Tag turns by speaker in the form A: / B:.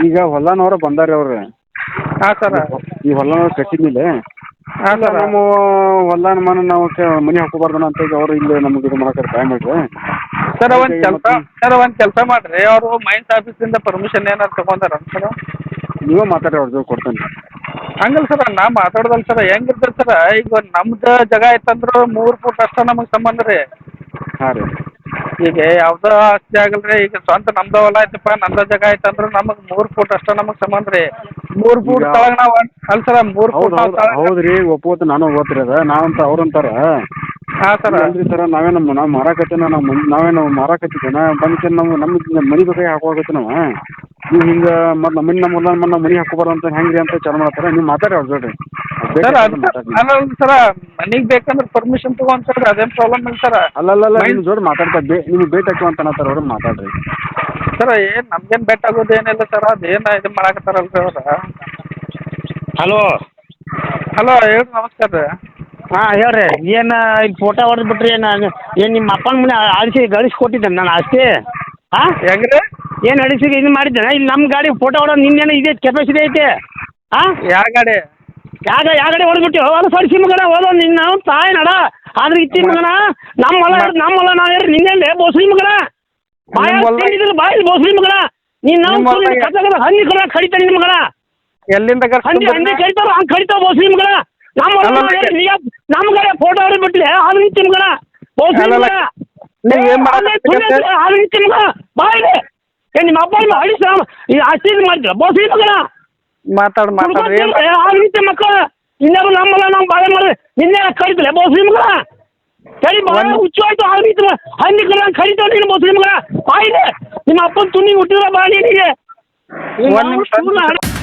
A: ಈಗ ಹೊಲನವ್ರ ಬಂದಾರ ಅವ್ರು.
B: ಹಾಂ ಸರ.
A: ಈ ಹೊಲನವ್ರು ಕಟ್ಟಿದ್ಮೇಲೆ
B: ಹಾಂ ಸರ್.
A: ನಮ್ಮ ಹೊಲ ನಾವು ಮನೆ ಹಾಕೋಬಾರ್ದನ ಅಂತ ಈಗ ಅವ್ರು ಇಲ್ಲಿ ನಮ್ಗೆ ಇದು ಮಾಡಕ್ಕೆ ಟೈಮ್ ಮಾಡ್ರಿ.
B: ಸರ್ ಒಂದು ಕೆಲಸ ಮಾಡಿರಿ, ಅವರು ಮೈನ್ಸ್ ಆಫೀಸಿಂದ ಪರ್ಮಿಷನ್ ಏನಾರು ತೊಗೊಂಡಾರ ಸರ್?
A: ನೀವೇ ಮಾತಾಡಿ ಅವ್ರ ಜೊತೆ ಕೊಡ್ತೇನೆ.
B: ಹಂಗಲ್ಲ ಸರ್, ನಾ ಮಾತಾಡ್ದಲ್ಲ ಸರ್, ಹೆಂಗಿರ್ತದೆ ಸರ್, ಈಗ ನಮ್ದು ಜಾಗ ಐತಂದ್ರೆ 3 ಫೂಟ್ ಅಷ್ಟೇ ನಮಗೆ ಸಂಬಂಧ ರೀ.
A: ಹಾಂ ರೀ.
B: ಈಗ ಯಾವುದೋ ಆಸ್ತಿ ಆಗಲ್ಲ ರೀ, ಈಗ ಸ್ವಂತ ನಮ್ದು ಹೊಲ ಐತಪ್ಪ, ನಮ್ದು ಜಾಗ ಐತಂದ್ರೆ ನಮಗೆ 3 ಫೂಟ್ ಅಷ್ಟೇ ನಮಗೆ ಸಂಬಂಧ ರೀ. 3 ಫೂಟ್ ತಳಗ ನಾವು ಅಲ್ಲ ಸರ್, 3 ಫೂಟ್
A: ಹೌದು ರೀ, ಒಪ್ಪೋತು ನಾನು ಓದ್ತಿರಿ ಅದ ನಾವಂತ ಅವ್ರಂತಾರ.
B: ಹಾಂ ಸರ್.
A: ಅಲ್ರಿ ಸರ್, ನಾವು ಮಾರಾಕತ್ತೇನ, ನಾವೇನು ಮಾರಾಕತ್ತಿದ್ದೇನ ಬಂದ್ಕೆ ನಮ್ಮ ಮನೆ ಬೇಕಾಗಿ ಹಾಕೋಆಗತ್ತೆ ನಾವು. ನೀವು ಹಿಂಗೆ ಮತ್ತು ನಮ್ಮ ಹೊಲ ನಮ್ಮ ಮನೆ ಹಾಕೋಬಾರ್ದು ಅಂತ ಹೆಂಗೆ ರೀ ಅಂತ ಚಾಲು ಮಾಡ್ತಾರೆ. ನೀವು ಮಾತಾಡಿ ಅವ್ರ ಜೋಡಿ
B: ಸರ್. ಅಲ್ಲ ಸರ, ಮನೆಗೆ ಬೇಕಂದ್ರೆ ಪರ್ಮಿಷನ್ ತೊಗೊಂಡು ಸರ್, ಅದೇನು ಪ್ರಾಬ್ಲಮ್ ಇಲ್ಲ ಸರ.
A: ಅಲ್ಲಲ್ಲ ನಿಮ್ಮ ಜೋಡಿ ಮಾತಾಡ್ತಾ ನಿಮ್ಗೆ ಭೇಟಿ ಹಾಕಿ ಅಂತ ಅನ್ನತ್ತಾರ ಅವ್ರು, ಮಾತಾಡ್ರಿ
B: ಸರ್. ಏನು ನಮ್ಗೇನು ಬೆಟ್ ಆಗೋದು ಏನಿಲ್ಲ ಸರ್, ಅದೇನು ಇದು ಮಾಡಕತ್ತಾರಲ್ರಿ ಅವ್ರು.
C: ಹಲೋ
B: ಹೇಳ್ರಿ, ನಮಸ್ಕಾರ ರೀ.
C: ಹಾಂ ಹೇಳ್ರಿ, ಏನು ಈಗ ಫೋಟೋ ಹೊಡೆದು ಬಿಟ್ರಿ ಏನು ನಿಮ್ಮ ಅಪ್ಪನ ಮನೆ ಗಳಿಸ್ಕೊಟ್ಟಿದ್ದೆ ನಾನು ಆಸ್ತಿ? ಹಾಂ
B: ಹೆಂಗೆ ರೀ?
C: ಏನು ಅಡಿಸಿ ಇದು ಮಾಡಿದ್ದೇನೆ ಇಲ್ಲಿ ನಮ್ಮ ಗಾಡಿ ಫೋಟೋ ಹೊಡೋದು ನಿನ್ನೇನು ಇದೆ ಕೆಪಾಸಿಟಿ ಐತೆ? ಹಾಂ
B: ಯಾವ ಗಾಡಿ?
C: ಯಾವ ಗಾಡಿ ಹೊಡೆದ್ಬಿಟ್ಟು ಹೊಲ ಸರಿಸಿ ಮಗನ ಹೋದ ನಿನ್ನ ತಾಯಿ ನಡ ಆದ್ರೆ ಇತ್ತಿ ಮಗನ ನಮ್ಮ ಹೊಲ ನಾವು ಯಾರು ನಿನ್ನೆಲ್ಲೇ ಬೋಸ್ರಿ ಮಗನ ಬಾಯಿ ಬೋಸ್ರಿ ಮಗನ ನೀನು ನಾವು ಹಂದಿ ಕಡ ಕಡಿತಾನೆ ನಿಮ್ಮ ಮಗನ.
B: ಎಲ್ಲಿಂದ
C: ಹಂದಿ ಕಡಿತಾರ ಹಂಗೆ ಕಡಿತಾವ ಬೋಸ್ರಿ ಮಗನ. ನಮ್ಮ ಗಾಡಿ ಫೋಟೋ ಹೊಡೆದ್ಬಿಟ್ಲೆ ಅದು ನಿಂತಿ ಮಗನ ಬೋಸ್ರಿ ಮಗನ. ಅದು ನಿಂತಿ ಮಗನ ಬಾಯಿದೆ ನಿಮ್ಮ ಅಪ್ಪ ಅಡಿಸ ಈ ಆಸ್ತಿ ಇದು ಮಾಡಿದ್ರ ಬೋಸ್ರಿ ಮಗನ. ಮಾತಾಡಿ ಮಕ್ಕಳ ಇನ್ನೇನು ನಮ್ಮಲ್ಲ ನಾವು ಬಾಳೆ ಮಾಡಿ ನಿನ್ನೆ ಕಡಿತಲೆ ಬೋಸ್ರಿ ಮಗನ. ಸರಿ ಬಾಳ ಹುಚ್ಚು ಆಯ್ತು ಆಗಿತ್ತು ಹಂದಿ ಕಡ ಕಡಿತಾವ ನೀನು ಬೋಸ್ರಿ ಮಗನ. ಬಾಯಿದೆ ನಿಮ್ಮ ಅಪ್ಪನ ತುನಿ ಹುಟ್ಟಿದ್ರ ಬಾ ನೀನಿಗೆ.